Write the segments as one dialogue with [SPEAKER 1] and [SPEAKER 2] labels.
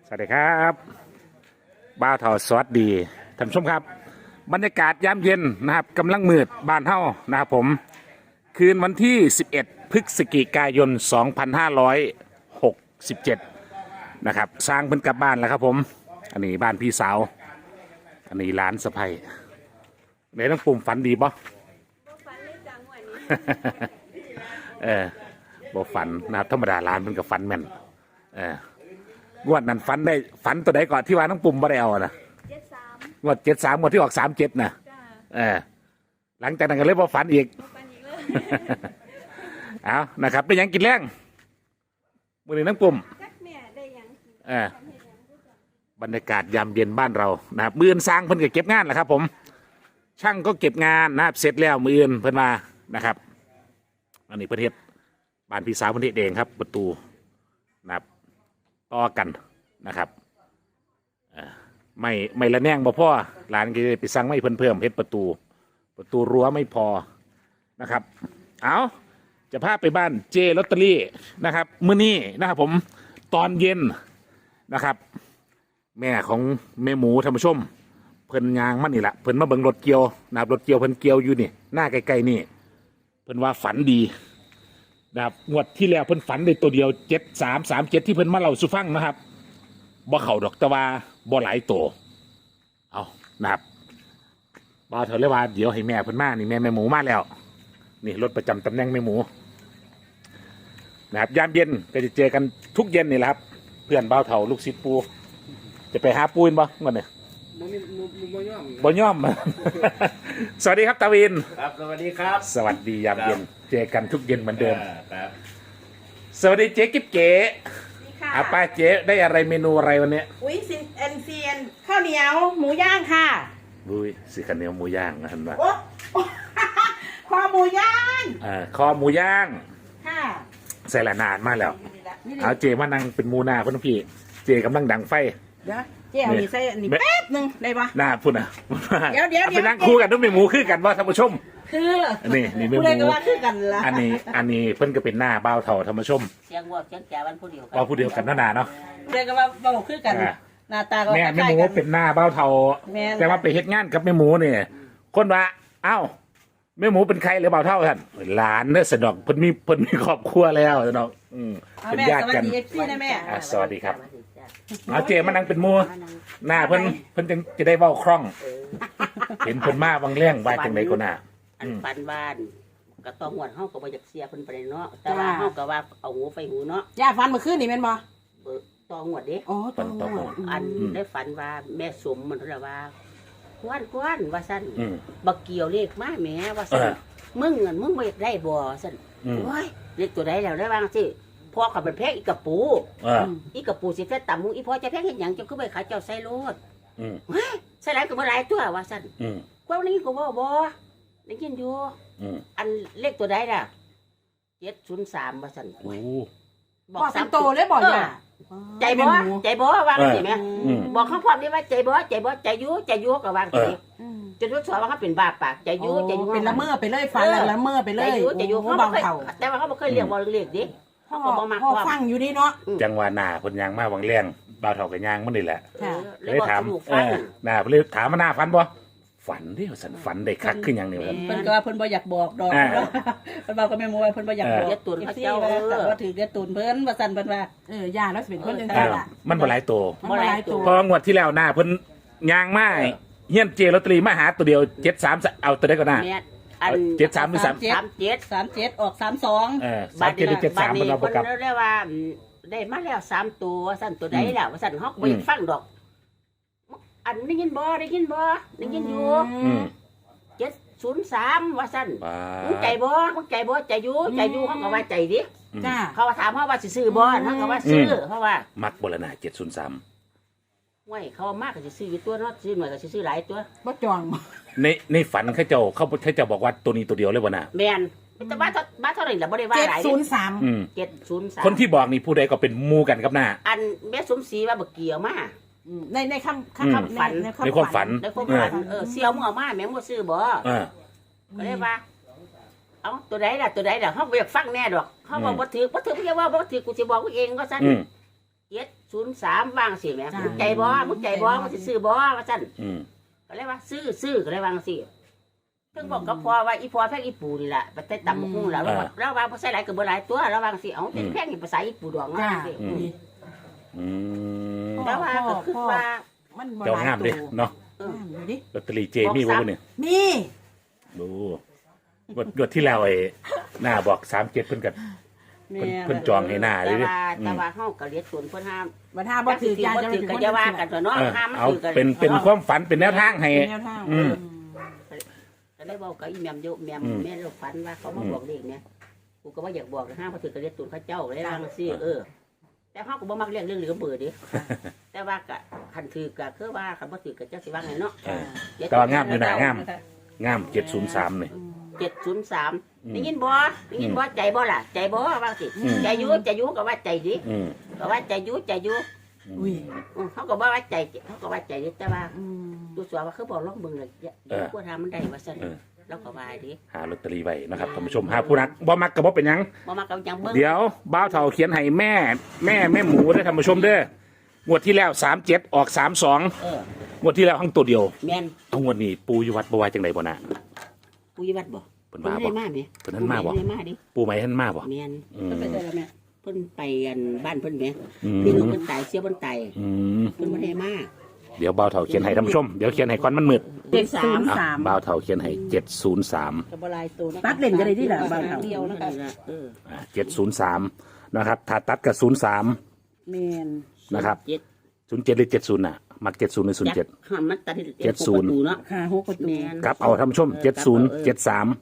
[SPEAKER 1] สวัสดีครับบ้าวเถาสวัสดีท่านผู้ชมครับบรรยากาศยามเย็นนะครับกำลังมืดบ้านเฮานะครับผมคืนวันที่11พฤศจิกายน2567นะครับสร้างเพิ่นกลับบ้านแล้วครับผมอันนี้บ้านพี่สาวอันนี้ร้านสะใภ้ไหนต้องปุ่มฝันดีป่ะ
[SPEAKER 2] ฝันเลยจังวันนี้
[SPEAKER 1] บ่ฝันนะครับธรรมดาร้านมันกับฝันแม่นงวดนั้นฝันได้ฝันตัวใดก่อนที่ว่าน้องปุ่มบ่ได้เอานะ
[SPEAKER 2] 73
[SPEAKER 1] งวด73งวดที่ออก37นะ
[SPEAKER 2] จ้า
[SPEAKER 1] หลังจากนั้นก็เลยบ่ฝันอีก
[SPEAKER 2] บ่ฝันอีกเลย
[SPEAKER 1] เอานะครับเป็นหยังกินแรงมื้อนี้น้องปุ่ม
[SPEAKER 2] จักแม่ได้หยังกิน
[SPEAKER 1] เออบรรยากาศยามเย็นบ้านเรานะครับมื้ออื่นสร้างเพิ่นก็เก็บงานแหละครับผมช่างก็เก็บงานนะครับเสร็จแล้วมื้ออื่นเพิ่นมานะครับอันนี้ประเทศบ้านพี่สาวเพิ่นเฮ็ดเองครับประตูนะครับต่อกันนะครับไม่ละแนงบ่พอร้านก็จะไปสั่งไม่เพิ่มเฮ็ดประตูรั้วไม่พอนะครับเอาจะพาไปบ้านเจลอตเตอรี่นะครับมื้อนี้นะครับผมตอนเย็นนะครับ แม่ของแม่หมูท่านผู้ชมเพิ่นยางมันนี่แหละเพิ่นมาเบิ่งรถเกี่ยวนะครับรถเกี่ยวเพิ่นเกี่ยวอยู่นี่หน้าใกล้ๆนี่เพิ่นว่าฝันดีนะครับงวดที่แล้วเพิ่นฝันได้ตัวเดียว7337ที่เพิ่นมาเล่าสู่ฟังนะครับบ่เข้าดอกแต่ว่าบ่หลายตัวเอานะครับบ่าวเถอะเลยว่าเดี๋ยวให้แม่เพิ่นมานี่แม่หมูมาแล้วนี่รถประจำตำแหน่งแม่หมูนะครับยามเย็นก็จะเจอกันทุกเย็นนี่แหละครับเพื่อนบ่าวเถาลูกศิษย์ปูจะไปหาปูนบ่เมื่อนี่บ่ย่อม สวัสดีครับตาวิน
[SPEAKER 3] ครับสวัสดีครับ
[SPEAKER 1] สวัสดียามเย็นเจอกันทุกเย็นเหมือนเดิม
[SPEAKER 3] ครับ
[SPEAKER 1] สวัสดีเจ๊กิ๊บเก๋
[SPEAKER 2] นี่ค่ะ
[SPEAKER 1] อาป้าเจ๊ได้อะไรเมนูอะไรวันนี้
[SPEAKER 2] อุ้ยซินเอ็นเซียนข้าวเหนียวหมูย่างค่ะ
[SPEAKER 1] บุ้ยสีข้าวเหนียวหมูย่างนะเห็นปะ
[SPEAKER 2] โอ้ คอหมูย่าง
[SPEAKER 1] คอหมูย่าง
[SPEAKER 2] ค่ะ
[SPEAKER 1] ใส่ละนานมากแล้ว
[SPEAKER 2] นี่
[SPEAKER 1] เอาเจมานั่งเป็นหมูหน้าพ่อพี่เจกำลังดังไฟ
[SPEAKER 2] เดี๋ยวเจ๊เอานี่ใส่อันนี้
[SPEAKER 1] แม่
[SPEAKER 2] แป๊บหนึงได้ปะ
[SPEAKER 1] หน้าพุ่นอ่ะ
[SPEAKER 2] เดี๋ยว
[SPEAKER 1] อาไปนั่งคู่กันด้วยแม่หมูคือกันว่าท่านผู้ชม
[SPEAKER 2] คือ
[SPEAKER 1] นี่แม่ห
[SPEAKER 2] ผู้ใดก็
[SPEAKER 1] มู
[SPEAKER 2] ว่าคือกันละ
[SPEAKER 1] อันนี้เพิ่นก็เป็นหน้าเบ้าเถ่าท่านผู้ชม
[SPEAKER 4] เสียงวัวเสียงแก่วันผู้เดียวกัน
[SPEAKER 1] ว่าผู้เดียวกันนาเนาะ
[SPEAKER 2] ผู้ใดก็ว่าเบาคือกัน
[SPEAKER 1] อ่า
[SPEAKER 2] หน้าตาก็
[SPEAKER 1] แม่
[SPEAKER 2] คล้าย
[SPEAKER 1] หมู
[SPEAKER 2] ๆกัน
[SPEAKER 1] เป็นหน้าเบ้าเถ่า
[SPEAKER 2] แม่น
[SPEAKER 1] แต่ว่าไปเฮ็ดงานกับแม่หมูเนี่ยคนว่าเอ้าแม่หมูเป็นใครหรือเบ้าเท่าท่านหลานเด้อสนอกเพิ่นมีครอบครัวแล้วสนอก
[SPEAKER 2] เอา
[SPEAKER 1] เป็น
[SPEAKER 2] แม่
[SPEAKER 1] ญา
[SPEAKER 2] ส
[SPEAKER 1] ติ
[SPEAKER 2] วัส
[SPEAKER 1] กัน
[SPEAKER 2] ดีเอฟซีนะแม่
[SPEAKER 1] สวัสดีครับเอาเจมานั่งเป็นหมูหน้าเพิ่นจะได้เว้าคล่อง เห็นเพิ่นมาบางเรื่องว่าจังไดก็น่า
[SPEAKER 4] อันปันบ้านก็ต้องหวดเฮาก็บ่อยากเสียเพิ่นไปเลยเนาะแต่ว่าเฮาก็ว่าเอาหูไปหูเนาะ
[SPEAKER 2] ย่าฟันเมื่อคืนนี่แม่นบ่
[SPEAKER 4] เบิกต้องหวดเด้
[SPEAKER 2] อ๋อตัวหมด
[SPEAKER 4] อันได้ฝันว่าแม่สมมันเรียกว่าควนว่าซั่น
[SPEAKER 1] อืม
[SPEAKER 4] บักเกี่ยวเลขมาแหมว่าซั่น
[SPEAKER 1] เออ
[SPEAKER 4] มึงเงินมึงบ่อยากได้บ่ซั่น
[SPEAKER 1] อืม
[SPEAKER 4] โอ้ยเลขตัวใดแล้วได้บ้างสิพ่อก็เป็นแพงอีกกระปู อีกระปูสิแท้ต่ำมึงอีพ่อจะแพงเฮ็ดหยังเจ้าคือไปขายเจ้าใส่โลด
[SPEAKER 1] อืม
[SPEAKER 4] เฮ้ยใส่หลายก็บ่หลายตัวว่าซั่น
[SPEAKER 1] อืม
[SPEAKER 4] กว่านี้ก็บ่ได้ยินอยู่
[SPEAKER 1] อืม
[SPEAKER 4] อันเลขตัวใดล่ะ703ว่าซั่น
[SPEAKER 1] โอ้
[SPEAKER 2] บอกสามโตเลยบอกย่า
[SPEAKER 4] ใจบ่ใจบ่วางสิแม่
[SPEAKER 1] อืม
[SPEAKER 4] บอกเขาพร้อมนี่ว่าใจบ่ใจอยู่ก็วางสิจะรู้สอนว่าเขาเป็นบาปากใจอยู่
[SPEAKER 2] เป็นละเมอไปเลยฟันละเมอไปเล
[SPEAKER 4] ใจ
[SPEAKER 2] ย
[SPEAKER 4] อยู่
[SPEAKER 2] โอ้
[SPEAKER 4] เขา
[SPEAKER 2] เบา
[SPEAKER 4] บ่เคย
[SPEAKER 2] เข่า
[SPEAKER 4] แต่ว่าเขาบ่เคยเรียกบ่เรียกดิ
[SPEAKER 2] พ่อ
[SPEAKER 4] เขาก็บ่มัก
[SPEAKER 2] พ่อ
[SPEAKER 4] ว่า
[SPEAKER 2] ฟังอยู่นี่เนาะ
[SPEAKER 1] จังหวะหน้าเพิ่นยางมาบางเรื่องบ่าวเฒ่าก็ยางมันนี่แหละ
[SPEAKER 2] ค่ะ
[SPEAKER 4] เลยบอก
[SPEAKER 1] ถาม
[SPEAKER 4] สนุกฟัง
[SPEAKER 1] หน้าเพิ่นเลยถามว่าหน้าฝันบ่ฝันเด้อสันฝันได้คักขึ้นหยังนี่ว่า
[SPEAKER 5] เพิ่นก็ว่าเพิ่นบ่อยากบอกดอก
[SPEAKER 1] อ่า
[SPEAKER 5] เพิ่นบอกกับแม่หมูว่าเพิ่นบ่อยากบอก
[SPEAKER 4] เรียกตุน
[SPEAKER 5] เอ
[SPEAKER 4] พระ
[SPEAKER 5] ฟซี
[SPEAKER 4] เจ้า
[SPEAKER 5] ว่าว่าถือเรียกตุนเพิ่นว่าซั่นเพิ่นว่า
[SPEAKER 2] ย่าแล้วสิเป็นคนจัง
[SPEAKER 1] เอ
[SPEAKER 2] ซั่น
[SPEAKER 1] อ
[SPEAKER 2] ล่ะ
[SPEAKER 1] มันบ่หลายตัว
[SPEAKER 2] มันหลายตัว
[SPEAKER 1] เพองวดที่แล้วหน้าเพิ่นยางมาเฮียนเจลอตเตอรี่มาหาตัวเดียว73เอาตัวได้ก็หน้า
[SPEAKER 4] แม่อัน
[SPEAKER 1] 73หรือ3
[SPEAKER 4] 37
[SPEAKER 5] 37ออก32
[SPEAKER 1] 37หรือ73มันเราบ่กลับ
[SPEAKER 4] เพิ่นเรียกว่าได้มาแล้ว3ตัวซั่นตัวใดแล้วว่าซั่นเฮาก็บ่อยากฟังดอก อันได้ยินบ่ได้ยินอยู่
[SPEAKER 1] อืม
[SPEAKER 4] 703ว่าซั่น
[SPEAKER 1] บ้า
[SPEAKER 4] มึงใจบ่ใจอยู่เขาก็ว่าใจดิ
[SPEAKER 2] จ้า
[SPEAKER 4] เขาว่าถามเขาว่าสิซื้อบ่เขาก็ว่าซื้อเพราะว่า
[SPEAKER 1] มักบ่ละหน้า703
[SPEAKER 4] ห้วยเขาว่ามากก็สิซื้ออยู่ตัวเนาะซื้อหน่อยก็สิซื้อหลายตัว
[SPEAKER 2] บ่จอง
[SPEAKER 1] ในฝันเขาเจ้าบอกว่าตัวนี้ตัวเดียวเลยบ่น่ะ
[SPEAKER 4] แม่นแต่บ้านเท่าไหร่ล่ะบ่ได้ว่าหลายเด้
[SPEAKER 2] 703
[SPEAKER 1] อืม
[SPEAKER 4] 703
[SPEAKER 1] คนที่บอกนี่ผู้ใดก็เป็นหมู่กันกับหน้า
[SPEAKER 4] อันแม่สมศรีว่าบ่เกี่ยวมา
[SPEAKER 2] ในคำ
[SPEAKER 4] ฝัน
[SPEAKER 1] ในความฝัน
[SPEAKER 4] แล้วก็ว่าเสี่ยวมึงเอามาแม่งบ่ซื้อบ่
[SPEAKER 1] เออ
[SPEAKER 4] ก็เลยว่า เอ้าตัวใดล่ะเฮาบ่อยากฟังแน่ดอกเฮาว่าบ่ถือเพิ่นว่าบ่ถือกูสิบอกกูเองว่าซั่น
[SPEAKER 1] อืม
[SPEAKER 4] 703วางสิแหม่มึงใจบ่มึงสิซื้อบ่ว่าซั่น ก็เลยว่าซื้อก็เลยวางสิเพิ่งบอกกับพ่อว่าอีพ่อแพงอีปูนี่แหละไปแต่ตำบักหุ่งแล้วแล้วว่าบ่ใส่หลายก็บ่หลายตัวแล้ววางสิเอาเป็นแพงอีภาษาอีปูดองว่าสิแต่ว่าก็คือว่า
[SPEAKER 2] มันบ่
[SPEAKER 1] เจ้า
[SPEAKER 2] หลาย
[SPEAKER 1] งาม
[SPEAKER 2] ตั
[SPEAKER 1] เด้
[SPEAKER 2] ว
[SPEAKER 1] เนาะ
[SPEAKER 2] ดูดิ
[SPEAKER 1] ลอตเตอรี่เจมีบ่เนี่ย
[SPEAKER 2] มี
[SPEAKER 1] ดูงวดที่แล้วไอ้หน้าบอก37เพิ่นก็
[SPEAKER 5] แม่
[SPEAKER 1] เพิ่นจองให้หน้าเลย
[SPEAKER 4] แต่ว่าเฮาก็เรียกส่วนเพิ่นห้าม
[SPEAKER 2] บัดหาบ่ถือจาน
[SPEAKER 4] บ่
[SPEAKER 2] จะ
[SPEAKER 4] ถือก็อย่าว่ากันตัวเนาะห้ามมัน
[SPEAKER 1] เอา
[SPEAKER 4] ถือกัน
[SPEAKER 1] เป็นความฝันเป็นแนวทางให้
[SPEAKER 2] แนวทาง
[SPEAKER 4] ก็ได้บอกกับอีแม่มอยู่แม่เราฝันว่าเขามาบอกเลขเนี่ยกูก็บ่อยากบอกห้ามบ่ถือก็เรียกส่วนเขาเจ้าได้วางสิแต่เฮาก็บ่มักเรื่องเหลือเบื่อดิแต่ว่าก็คันถือก็คือว่าคันบ่ถือก็จักสิว่าไงเนาะ
[SPEAKER 1] แต่ว่างามอยู่นะงาม703นี่
[SPEAKER 4] 703ได้ยินบ่ใจบ่ล่ะใจบ่ว่าสิใจอยู่ก็ว่าใจดิก็ว่าใจอยู่
[SPEAKER 2] อุ้ย
[SPEAKER 4] เขาก็ว่าใจเขาก็ว่าใจดิแต่ว่าดูสัวว่าเขาบอกลองเบิ่งเลยกลัวทำมันได้ว่าซั่นแล้วก็ว่าดิ
[SPEAKER 1] หาลอตเตอรี่ไว้นะครับท่านผู้ชมหาผู้นักบ่มักก็บ่เป็นหยัง
[SPEAKER 4] บ่มากับยังเบิ่ง
[SPEAKER 1] เดี๋ยวบ้าวเฒ่าเขียนให้แม่หมูได้อท่านผู้ชมเด้องวดที่แล้ว37ออก32งวดที่แล้วทั้งตัวเดียว
[SPEAKER 4] แม่น
[SPEAKER 1] เอางวดนี้ปูอยู่วัดบ่ว่าจังไดบ่น่ะ
[SPEAKER 4] ปุยวัดบ่
[SPEAKER 1] เพิ่นมาบ่
[SPEAKER 4] มาแม่
[SPEAKER 1] เพิ่นนั้นมาบ่
[SPEAKER 4] ได้มาดิ
[SPEAKER 1] ปูไหมท่านมาบ่
[SPEAKER 4] แม่น
[SPEAKER 5] เพิ่นไปได้แล้วแม่
[SPEAKER 4] เพิ่นไปกันบ้านเพิ่นแม่
[SPEAKER 1] อื
[SPEAKER 4] พี่น้อง
[SPEAKER 1] ม
[SPEAKER 4] เพิ่นตายเสียเพิ่นตาย
[SPEAKER 1] อืม
[SPEAKER 4] เพิ่นบ่ได้มา
[SPEAKER 1] เดี๋ยวบ้าวเฒ่าเขียนให้ท่านผู้ชมเดี๋ยวเขียนให้ก่อนมันมืด
[SPEAKER 2] 703
[SPEAKER 1] อ่ะบ้าวเฒ่าเขียนให้703
[SPEAKER 5] ก็บ่หลายตัวนะ
[SPEAKER 2] ตัดเล่นก็ได้ที่ล่ะบ้านเฮา
[SPEAKER 5] เดียวนะคะ
[SPEAKER 1] 703นะครับถ้าตัดกับ03
[SPEAKER 5] แม่น
[SPEAKER 1] นะครับ
[SPEAKER 4] เจ็ด
[SPEAKER 1] 07หรือ70น่ะมัก70หรือ07
[SPEAKER 4] ห้ามมันตัด
[SPEAKER 1] 70
[SPEAKER 4] ประตูเนาะ
[SPEAKER 5] ค่ะ6ประตู
[SPEAKER 4] แม่น
[SPEAKER 1] ครับเอาท่านผู้ชม70 73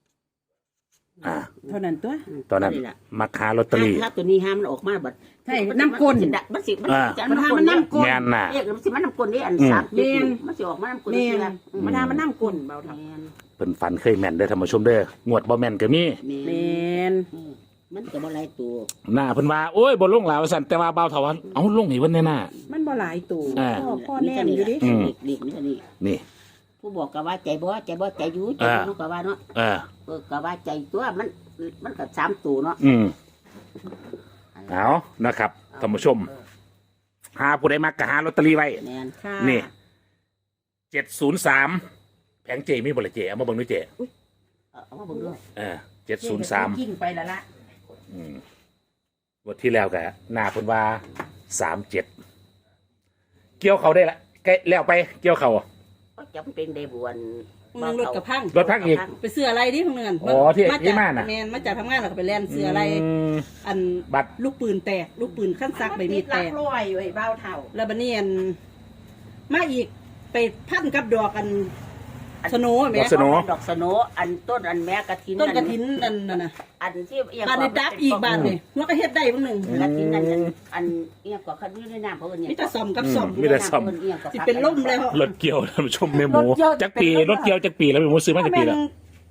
[SPEAKER 2] เท่านั้นตัว
[SPEAKER 1] ตอนนั้นมักหาลอตเตอรี่
[SPEAKER 4] ถ้าตัวนี้ห้ามมันออกมาบัด
[SPEAKER 2] ใช่น้ำก้น
[SPEAKER 4] มันสิมัน
[SPEAKER 2] มันหามันน้ำก้น
[SPEAKER 1] แม่นน่ะ
[SPEAKER 4] เรียกมันสิมันน้ำก้นนี่อัน3
[SPEAKER 2] แม่น
[SPEAKER 4] มันสิออกมาน้ำก้น
[SPEAKER 2] แม่
[SPEAKER 4] เชื่
[SPEAKER 2] น
[SPEAKER 4] อ
[SPEAKER 2] มันหามันน้ำก้นเบาเท่า
[SPEAKER 4] แม่น
[SPEAKER 1] เพิ่นฝันเคยแม่นเด้อท่านผู้ชมเด้องวดบ่แม่นก็มี
[SPEAKER 2] แม่น
[SPEAKER 4] มันก็บ่หลายตัว
[SPEAKER 1] หน้าเพิ่นว่าโอ้ยบ่ลงหลายว่าซั่นแต่ว่าบ่าวเฒ่าว่าเอาลงให้เพิ่นแน่น่ะ
[SPEAKER 2] มันบ่หลายตัว
[SPEAKER 1] อ่า
[SPEAKER 2] พ่อแน่นอยู่ดิ
[SPEAKER 4] เด็กนี่นี่
[SPEAKER 1] นี่
[SPEAKER 4] ผู้บอกก็ว่าใจบ่ใจอยู่ใจเนาะก็ว่าเนาะ
[SPEAKER 1] เออ
[SPEAKER 4] ก็ว่าใจตัวมันก็3ตัวเนาะ
[SPEAKER 1] เอานะครับท่านผู้ชมหาผู้ใดมักก็หาลอตเตอรี่ไว้
[SPEAKER 4] แม่น
[SPEAKER 2] ค่ะ
[SPEAKER 1] นี่703แผงเจมีบ่ล่ะเจเอามาเบิ่งดูเจ
[SPEAKER 4] เอามาเบิ่งดู
[SPEAKER 1] 703
[SPEAKER 2] ยิ่งไปแล้วละ
[SPEAKER 1] งวดที่แล้วก็หน้าเพิ่นว่า37เกี่ยวเขาได้ละใกล้แล้วไปเกี่ยวเขา
[SPEAKER 4] ก็จำเป็นได้บวน
[SPEAKER 5] มึงรถกับพัง
[SPEAKER 1] รถพักอีก
[SPEAKER 5] ไปเสื้ออะไรดิพวกนั้น
[SPEAKER 1] อ๋อที่
[SPEAKER 5] มา
[SPEAKER 1] ที่
[SPEAKER 5] จาก
[SPEAKER 1] ม่านน่ะ
[SPEAKER 5] แม่นมาจากทำงานแล้วก็ไปแล่นเสื้ออะไร
[SPEAKER 1] ม
[SPEAKER 5] อัน
[SPEAKER 1] บัตร
[SPEAKER 5] ลูกปืนแตกลูกปืนขั้นซักใบมีดแตก
[SPEAKER 2] รวยอยู่ไอ้เบาเท่า
[SPEAKER 5] แล้วบัดนี้อันมาอีกไปพันกับดอกอันสโนว์แหม่
[SPEAKER 1] ดอกสโน
[SPEAKER 4] ดอกสโนอันต้นอันแม่กระถิน
[SPEAKER 5] ต้นกระถินอันนั่นน่ะ
[SPEAKER 4] อันที่เอียง
[SPEAKER 5] บ้านในดับอีกบ้านนี่มันก็เฮ็ดได้บ้างหนึ่ง
[SPEAKER 4] กระถินอันอันเอียงกว่าคันนี้ในน้ำเพราะว่าเนี่ย
[SPEAKER 5] มีแต่ซ่อมกับซ่อม
[SPEAKER 1] มีแต่ซ่อม
[SPEAKER 5] สิเป็นล่มแล้ว
[SPEAKER 1] รถเกี่ยวท่านผู้ชมแม่หมูจักปีรถเกี่ยวจักปีแล้วแม่หมูซื้อมาจักปีแล้ว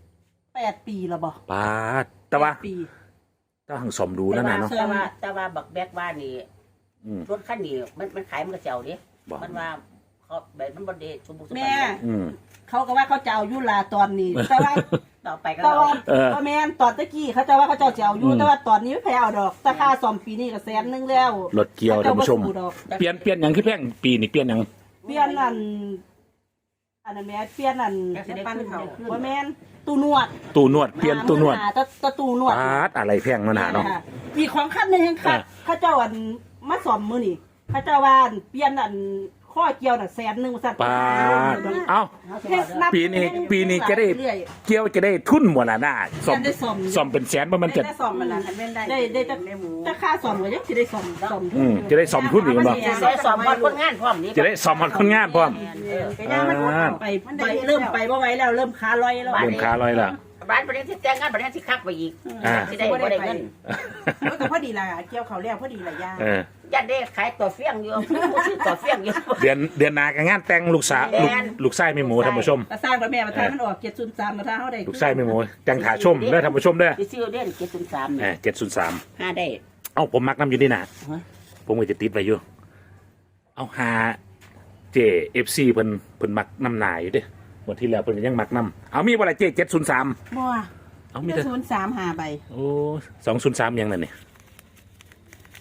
[SPEAKER 5] 8 ปีแล้วบ่
[SPEAKER 1] ปาดแต่ว่า
[SPEAKER 5] ปี
[SPEAKER 1] ต้องหังสมดูแล้วนะเนาะ
[SPEAKER 4] แต่ว่าบักแบกว่านี่รถคันนี้มันขายมันกระเจ้าดิ
[SPEAKER 1] บอก
[SPEAKER 4] มันว่าเขาแบบมันบ่ได้สมบูรณ์
[SPEAKER 5] แม่
[SPEAKER 1] อืม
[SPEAKER 5] เขาก็ว่าเขาจะเอายุลาตอนนี้ แต่ว่า
[SPEAKER 4] ต่อไปก็
[SPEAKER 5] แต่ว่า
[SPEAKER 1] เออ
[SPEAKER 5] แม่นตอนตะกี้เขาจะว่าเขาจะเอาอยู่แต่ว่าตอนนี้ไม่แพ้เอาดอกแต่ค่าซ่อมปีนี้ก็100,000แล้ว
[SPEAKER 1] รถเกี่ยวท่านผู้ชม
[SPEAKER 5] เขจะบ่สู้ดอก
[SPEAKER 1] เปลี่ยนอย่างที่แพงปีนี่เปลี่ยนอย่าง
[SPEAKER 5] เปลี่ยนอันนั้นแม่เปลี่ยนอัน
[SPEAKER 2] ปั้นเขา
[SPEAKER 5] บ่แม่นตู้นวด
[SPEAKER 1] ตู้นวดเปลี่ยนตู้นวด
[SPEAKER 5] ตะตู้นวด
[SPEAKER 1] ปาดอะไรแพงมันหาเนาะ
[SPEAKER 5] มีของขั้นหนึงครับเขาเจ้าอันมาซ่อมมื้อนี่เขาเจ้าว่าอันเปลี่ยนอันข้อเกี่ยวน่ะ100,000ว่าซั่น
[SPEAKER 1] ปาดเอ้า
[SPEAKER 5] เฮ็ดนับ
[SPEAKER 1] ปีนี้จะได้
[SPEAKER 5] เรื่อย
[SPEAKER 1] เกี่ยวจะได้ทุนหมดละหน้าสม
[SPEAKER 5] ได้ซ่อม
[SPEAKER 1] สมเป็นแสนเพราะมันจะ
[SPEAKER 2] ได้ซ่อมมันละทันเป็นได้
[SPEAKER 5] ได้จะ
[SPEAKER 2] ในหมู
[SPEAKER 5] จะค่าซ่อมก็ยังสิได้ซ่อม
[SPEAKER 1] จะได้สมทุนอีกบ่
[SPEAKER 4] ใช้สอบคนงานพร้อมนี่
[SPEAKER 1] จะได้สมมันคนงานพร้อม
[SPEAKER 2] ก็ย่างมัน
[SPEAKER 5] ไปเริ่มไปบ่ไหวแล้วเริ่มขาลอยแล้ว
[SPEAKER 1] เริ่มค้าลอยละ
[SPEAKER 4] ร้านประเด็นที่แต่งงานประเด็นที่คักไปอีกที่ได้บ่ได้เงิน
[SPEAKER 2] มันก็พอดีละเกี่ยวเขาแล้วพอดีละย่าง
[SPEAKER 4] ยันได้ขายตัวเฟี้ยงอยู่ซื้อตัวเฟี้ยงอยู่
[SPEAKER 1] เดือนหนากับงานแต่งลูกสาวลูกไส้ไม่หมูท่านผู้ชม
[SPEAKER 5] ก็สร้างแล้วแม่มาทางมันออก703มาทางเฮาได้
[SPEAKER 1] ลูกไส้ไม่หมูจังถาชมเด้อท่านผู้ชมเด้อ
[SPEAKER 4] ที่ซื้อเด่น703
[SPEAKER 1] 703
[SPEAKER 4] 5ได้
[SPEAKER 1] เอ้าผมมักน้ำอยู่นี่นะผมก็จะติดไว้อยู่เอาหาเจFC เพิ่นมักน้ำหนาอยู่เด้วันที่แล้วเพิ่นก็ยังมักน้ำเอามีบ่ล่ะเจ703
[SPEAKER 2] บ่
[SPEAKER 1] เอามี
[SPEAKER 2] มี
[SPEAKER 1] แต่
[SPEAKER 2] 03หาใบ
[SPEAKER 1] โอ้203ยังนั่นนี่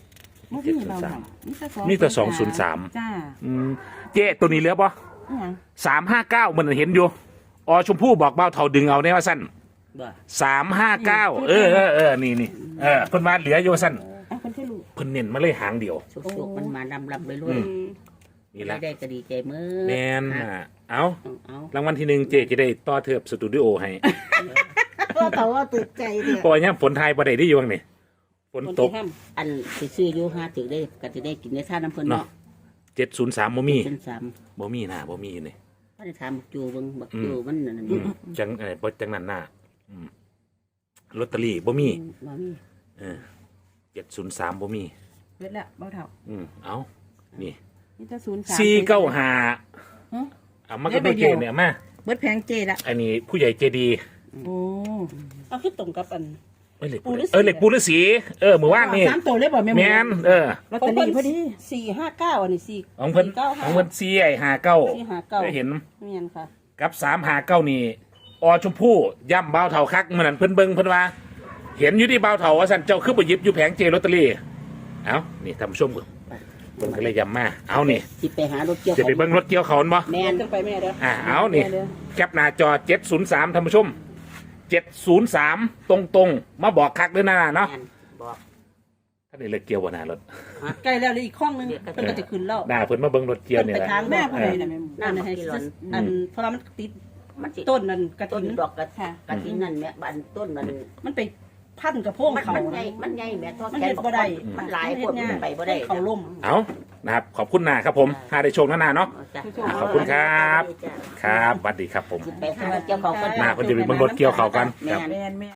[SPEAKER 2] บ่มีเราหรอก
[SPEAKER 1] มีแต่203
[SPEAKER 2] จ้า
[SPEAKER 1] เจ๊ตัวนี้เหลือปะ
[SPEAKER 2] อิหยัง
[SPEAKER 1] 359มันเห็นอยู่อชมพู่บอกเบ้าเท่าดึงเอาได้ว่าสั้น
[SPEAKER 4] บ่
[SPEAKER 1] 359นี่เพิ่นมาเหลืออยู่ว่าสั้น
[SPEAKER 2] เอาคนที่รู้
[SPEAKER 1] เพิ่นเน้นมาเลยหางเดียว
[SPEAKER 4] สุกๆมันมาลำไปเรื่อย
[SPEAKER 1] นี่แหละ
[SPEAKER 4] ได้ก็ดีใจมื้อ
[SPEAKER 1] แมนเอา
[SPEAKER 4] เอา
[SPEAKER 1] รางวัลที่หนึ่งเจ๊จะได้ต่อเทิบสตูดิโอให้
[SPEAKER 2] ก็แต่ว่าตื่นใจเด้อ
[SPEAKER 1] เพราะว่าเนี่ยฝนไทยบ่ได้อยู่วังนี่ฝนตก
[SPEAKER 4] อันสิซื้ออยู่หาถึงได้ก็จะได้กินได้ท่าน้ำเพิ่น
[SPEAKER 1] เนาะ
[SPEAKER 4] เนาะ
[SPEAKER 1] 703บ่มี
[SPEAKER 4] เป็น3
[SPEAKER 1] บ่มีนะบ่มีนี่
[SPEAKER 4] บ่ได้ถามบักจูเบิ่งบักจูมันนั่น
[SPEAKER 1] จังบ่จังนั้นน่ะลอตเตอรี่บ่มี
[SPEAKER 4] บ่มี
[SPEAKER 1] 703บ่มี
[SPEAKER 2] เบิดแล้วเบาเท่า
[SPEAKER 1] เอานี่
[SPEAKER 2] นี่จะ03
[SPEAKER 1] 495
[SPEAKER 2] ฮะ
[SPEAKER 1] เอามาก็ได้เกณฑ์เนี่ยมา
[SPEAKER 2] เบิดแพงเจละ
[SPEAKER 1] อันนี้ผู้ใหญ่ใจดี
[SPEAKER 2] โอ้
[SPEAKER 5] เอาคือตรงกับอัน
[SPEAKER 1] เหล็กปูฤาษีเมื่อวานนี่
[SPEAKER 2] 3ตัวเลยบ่แม่ห
[SPEAKER 1] แม
[SPEAKER 2] มู
[SPEAKER 1] น
[SPEAKER 2] ลอตเตอรี่พอดี
[SPEAKER 5] 459อันนี้4
[SPEAKER 1] ของเพิ่น
[SPEAKER 5] 495
[SPEAKER 1] ของเพิ่น459
[SPEAKER 5] 459
[SPEAKER 1] ได้เห็น
[SPEAKER 5] แม่นค่ะ
[SPEAKER 1] กับ359นี่อชมพู่ย่ำเบาเถาคักเหมือนนั้นเพิ่นเบิ่งเพิ่นว่า เห็นอยู่ที่เบาเถาว่าสั่นเจ้าคือไปหยิบอยู่แผงเจลอตเตอรี่เอานี่ท่านผู้ชมเพิ่นก็เลยย้ำมาเอานี่
[SPEAKER 4] สิไปหารถเกี่ยว
[SPEAKER 1] จะไปเบิ่งรถเกี่ยวเขาบ่
[SPEAKER 4] แม่น
[SPEAKER 5] ขึ้นไปแม่เด้อ
[SPEAKER 1] เอานี่แคปหน้าจอ703ท่านผู้ชม703ตรงๆมาบอกคักด้วยนะเนาะ
[SPEAKER 4] แม่นบอก
[SPEAKER 1] ท่านนี่เลยเกี่ยวบ่หน้ารถ
[SPEAKER 5] ใกล้แล้วเลยอีกข้องนึงเพิ่นก็จะขึ้นแล้ว
[SPEAKER 1] หน้าเพิ่นมาเบิ่งรถเกี่ยวนี่
[SPEAKER 5] ไป
[SPEAKER 1] แหละ
[SPEAKER 5] ทางแม่ผู้ใดน่ะแม่หมู
[SPEAKER 4] น้ำ
[SPEAKER 5] ให้
[SPEAKER 4] กิโลน
[SPEAKER 5] อันเพราะว่ามันติด
[SPEAKER 4] มันสิ
[SPEAKER 5] ต้นนั่นกระ
[SPEAKER 4] ต้น
[SPEAKER 5] ถิน
[SPEAKER 4] ดอกกระถินนั่นแม่บ้านต้นมัน
[SPEAKER 5] มันไปพันกับโพง
[SPEAKER 4] มัน
[SPEAKER 5] เขา
[SPEAKER 4] ใหญ่มันใหญ่แม่ทอด
[SPEAKER 5] มัน
[SPEAKER 4] แข
[SPEAKER 5] เฮ็
[SPEAKER 4] น
[SPEAKER 5] ดบ่ได้
[SPEAKER 4] มันหลายพวกมันไปบ่ได้
[SPEAKER 5] เขาล่ม
[SPEAKER 1] เอานะครับขอบคุณนาครับผมหาได้โชคนาเนาะ ขอบคุณครับ ครับสวัสดีครับผม
[SPEAKER 4] ไปหารถเกี่ยวเขากัน
[SPEAKER 1] หน้าเพิ่นจะไปเบิ่งรถเกี่ยวเขากันครับ
[SPEAKER 4] แม่น
[SPEAKER 2] แม่น